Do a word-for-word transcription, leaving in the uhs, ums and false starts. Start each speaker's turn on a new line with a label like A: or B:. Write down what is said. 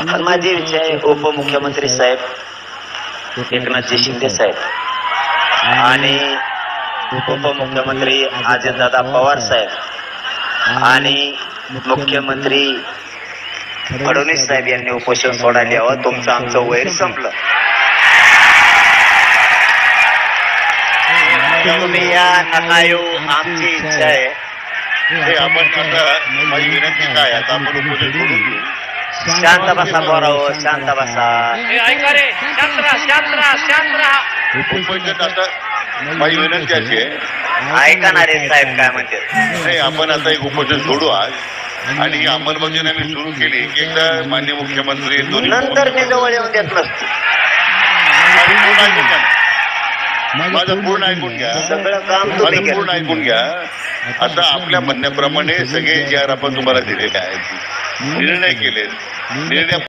A: पण माझे विषय उपमुख्यमंत्री साहेब एकनाथजी शिंदे साहेब आणि उपमुख्यमंत्री अजितदादा पवार साहेब आणि मुख्यमंत्री फडणवीस साहेब यांनी उपोषण सोडायला यावं. तुमचं आमचं वैर संपलं. तुम्ही या नका येऊ, आमची इच्छा आहे.
B: आपण आता माझी विनंती काय आता आपण उपोषण सोडून घेऊ.
A: शांत बसा बोराव, शांत बसा.
C: ऐका रे, शांत राहा, शांत राहा, शांत राहा.
B: उपोषण आता माझी विनंती अशी आहे.
A: ऐका ना रे साहेब काय म्हणते.
B: नाही आपण आता एक उपोषण सोडू आज आणि ही अंमलबजावणी आम्ही सुरू केली की एकदा माननीय मुख्यमंत्री दोन्ही
A: नंतर मी जवळ येऊन देत नसतो.
B: पूर्ण ऐकून घ्या. माझं पूर्ण ऐकून घ्या.
A: सगळं काम
B: माझं
A: तुम्ही
B: पूर्ण
A: केलं.
B: ऐकून घ्या. आता आपल्या म्हणण्याप्रमाणे सगळे जे आर आपण तुम्हाला दिलेले आहेत निर्णय केलेत. निर्णय